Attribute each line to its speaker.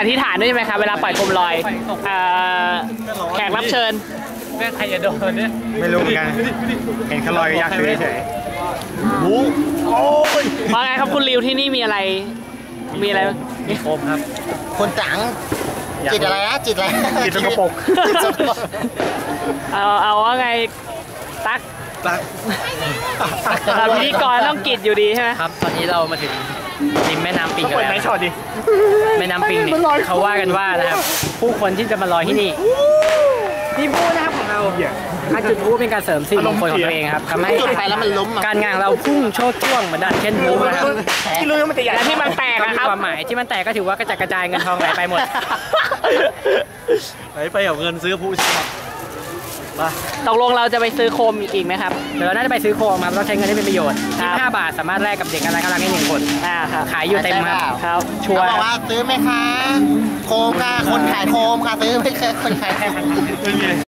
Speaker 1: อธิษฐานด้วยใช่ไหมครับเวลาปล่อยโคมลอยแขกรับเชิญ
Speaker 2: แม่ใครจะโดนเนี่ย
Speaker 3: ไม่รู้เหมือนกันเห็นเขาลอยยากซื้อเฉยโอ้ย
Speaker 1: ว่าไงครับคุณริวที่นี่มีอะไร
Speaker 2: มีโคมครับ
Speaker 4: คนจังจิตอะไรนะจิตอะไร
Speaker 3: จิตสกปรก
Speaker 1: เอาว่าไงตั๊กพิธีกรต้องกิจอยู่ดีใช่ไหม
Speaker 2: ครับตอนนี้เรามาถึงริมแม่น้ำปิงกันแล้วแม่น้ำปิงเนี่ยเขาว่ากันว่านะครับผู้คนที่จะมาลอยที่นี่นี่พูดนะครับของเราการจุดพลุเป็นการเสริมสิ่งมงคลของตัวเองครับทำให้
Speaker 4: จุดไปแล้วมันล้ม
Speaker 2: การงานเราพุ่งโชดช่วงเหมือนดันเช่นพลุนะครับ
Speaker 1: ที่รู้มันจะใหญ่และที่มันแตกนะครับ
Speaker 2: ความหมายที่มันแตกก็ถือว่ากระจัดกระจายเงินทองไหลไปหมด
Speaker 3: ไหลไปเอาเงินซื้อผู้ชนะ
Speaker 1: ตกลงเราจะไปซื้อโคมอีกไหมครับ
Speaker 2: เดี๋ยวเราน่าจะไปซื้อโคมครับเราใช้เงินให้เป็นประโยชน์5 บาทสามารถแลกกับเด็กอะไรก็รักได้1 คน
Speaker 1: ครับ
Speaker 2: ขายอยู่เต็มครับ
Speaker 4: ชัวร์บอกว่าซื้อไหมคะโคมค่ะคนขายโคมค่ะซื้อไหมคะคนขายโคม